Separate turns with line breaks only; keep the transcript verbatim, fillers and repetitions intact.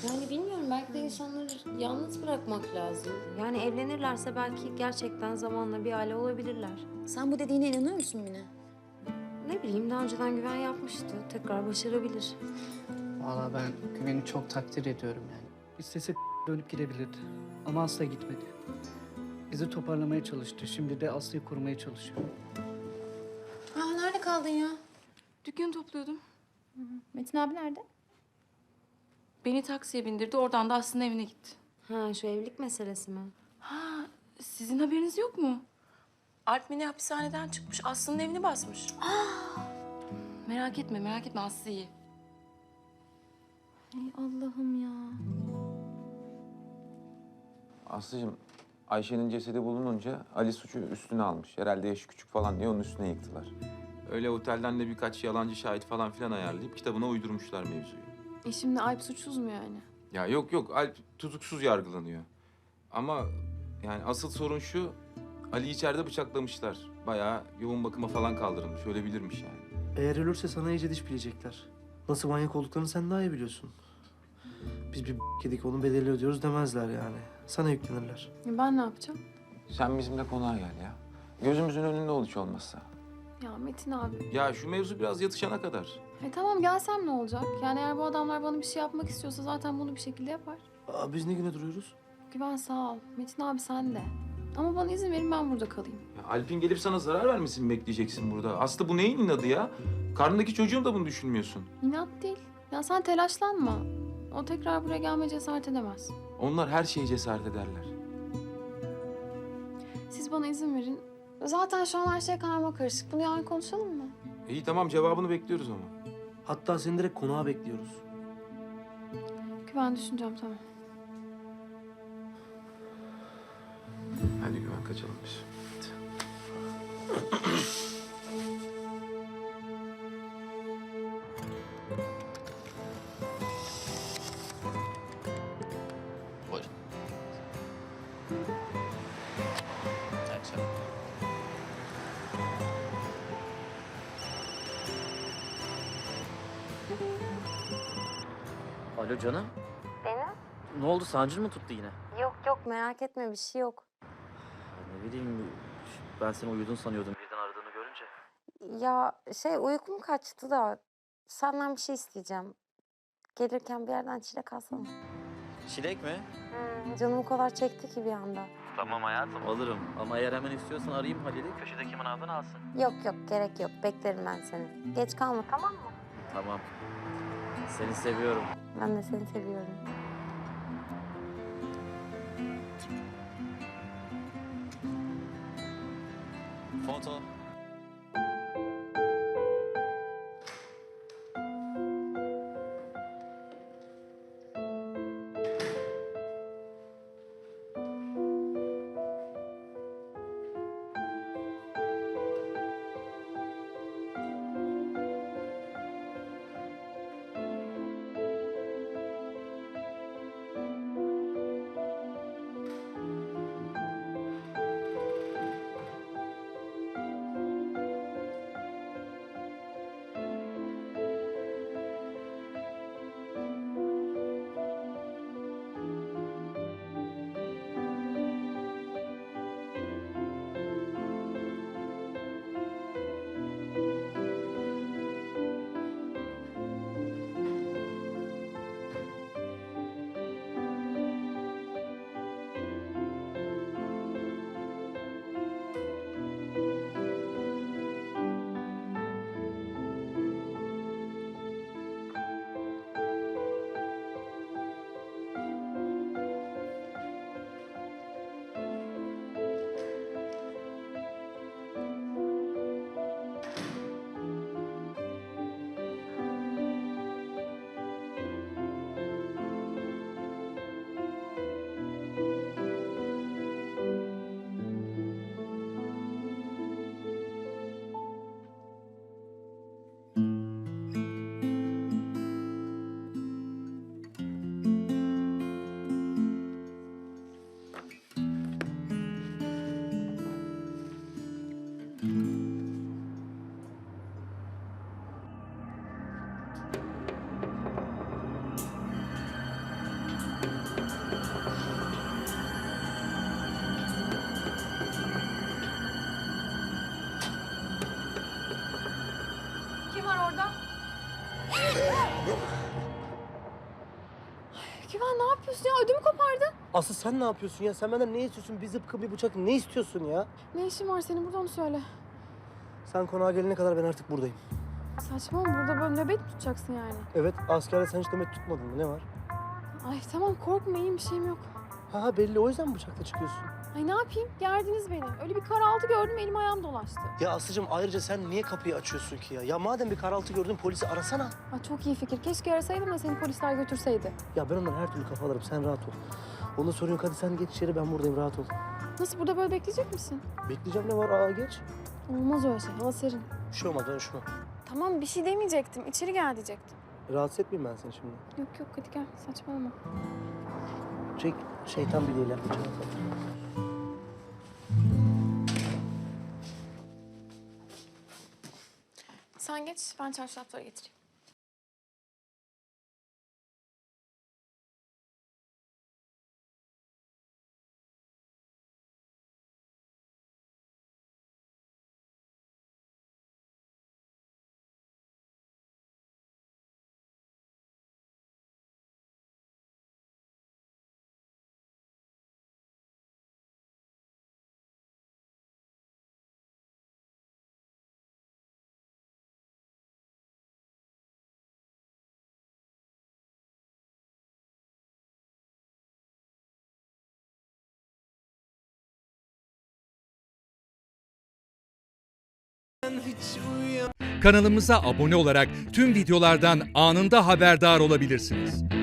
Yani bilmiyorum, belki de insanları yalnız bırakmak lazım. Yani evlenirlerse belki gerçekten zamanla bir aile olabilirler.
Sen bu dediğine inanıyor musun Mine?
Ne bileyim, daha önceden güven yapmıştı. Tekrar başarabilir.
Vallahi ben Güven'i çok takdir ediyorum yani. İstese dönüp gidebilirdi ama asla gitmedi. Bizi toparlamaya çalıştı. Şimdi de Aslı'yı korumaya çalışıyor.
Aa, nerede kaldın ya?
Dükkanı topluyordum.
Metin abi nerede?
Beni taksiye bindirdi. Oradan da Aslı'nın evine gitti.
Ha, şu evlilik meselesi mi?
Ha, sizin haberiniz yok mu? Alp Mine hapishaneden çıkmış. Aslı'nın evini basmış. Merak etme, merak etme. Aslı iyi.
Ay Allah'ım ya.
Aslıcığım, Ayşe'nin cesedi bulununca Ali suçu üstüne almış. Herhalde yaşı küçük falan diye onun üstüne yıktılar. Öyle otelden de birkaç yalancı şahit falan filan ayarlayıp kitabına uydurmuşlar mevzuyu.
E şimdi Alp suçsuz mu yani?
Ya yok yok, Alp tutuksuz yargılanıyor. Ama yani asıl sorun şu, Ali içeride bıçaklamışlar. Bayağı yoğun bakıma falan kaldırılmış. Öyle bilirmiş yani.
Eğer ölürse sana iyice diş bilecekler. Nasıl manyak olduklarını sen daha iyi biliyorsun. Biz bir yedik onun bedelini ödüyoruz demezler yani. Sana yüklenirler.
Ya ben ne yapacağım?
Sen bizimle konağa gel ya. Gözümüzün önünde ol hiç olmazsa.
Ya Metin abi.
Ya şu mevzu biraz yatışana kadar.
E tamam gelsem ne olacak? Yani eğer bu adamlar bana bir şey yapmak istiyorsa zaten bunu bir şekilde yapar.
Aa, biz ne güne duruyoruz?
Güven sağ ol. Metin abi sen de. Ama bana izin verin ben burada kalayım.
Ya Alp'in gelip sana zarar vermesini mi bekleyeceksin burada? Aslı bu neyin inadı ya? Karnındaki çocuğun da bunu düşünmüyorsun.
İnat değil. Ya sen telaşlanma. O tekrar buraya gelmeye cesaret edemez.
Onlar her şeye cesaret ederler.
Siz bana izin verin. Zaten şu an her şey karma karışık. Bunu yarın konuşalım mı?
İyi tamam, cevabını bekliyoruz ama.
Hatta seni direkt konağa bekliyoruz.
Güven düşüneceğim tamam.
Hadi Güven, kaçalım biz.
Buyurun. Akşam. Alo canım.
Benim?
Ne oldu, sancın mı tuttu yine?
Yok yok, merak etme, bir şey yok.
Ya ne bileyim, ben seni uyudun sanıyordum birden aradığını görünce.
Ya şey, uykum kaçtı da senden bir şey isteyeceğim. Gelirken bir yerden çilek alsana.
Çilek mi?
Hmm, canım o kadar çekti ki bir anda.
Tamam hayatım, alırım. Ama eğer hemen istiyorsan arayayım Halil'i, köşedeki manavdan alsın.
Yok yok, gerek yok. Beklerim ben seni. Geç kalma, tamam mı?
Tamam. Seni seviyorum.
Ben de seni seviyorum.
Foto.
Güven ne yapıyorsun ya? Ödümü kopardın.
Aslı sen ne yapıyorsun ya? Sen benden ne istiyorsun? Bir zıpkın bir bıçak ne istiyorsun ya?
Ne işin var senin burada onu söyle.
Sen konağa gelene kadar ben artık buradayım.
Saçma mı? Burada böyle nöbet mi tutacaksın yani?
Evet askerde sen hiç demet tutmadın mı? Ne var?
Ay tamam korkma iyiyim bir şeyim yok.
Ha ha, belli o yüzden mi bıçakla çıkıyorsun?
Ay ne yapayım? Gerdiniz beni. Öyle bir karaltı gördüm elim ayağım dolaştı.
Ya Aslı'cığım ayrıca sen niye kapıyı açıyorsun ki ya? Ya madem bir karaltı gördün polisi arasana.
Ay çok iyi fikir. Keşke arasaydım da seni polisler götürseydi.
Ya ben ondan her türlü kafa alırım. Sen rahat ol. Onda sorun yok. Hadi sen geç içeri. Ben buradayım. Rahat ol.
Nasıl burada böyle bekleyecek misin?
Bekleyeceğim ne var? Aa geç.
Olmaz öyle şey. Hava serin.
Bir şey olmaz. Ben üşümem.
Tamam bir şey demeyecektim. İçeri gel diyecektim.
Rahatsız etmeyeyim ben seni şimdi.
Yok yok hadi gel. Saçmalama.
Çek şeytan bileğiyle.
Sen geç. Ben çarşafları getireyim.
Kanalımıza abone olarak tüm videolardan anında haberdar olabilirsiniz.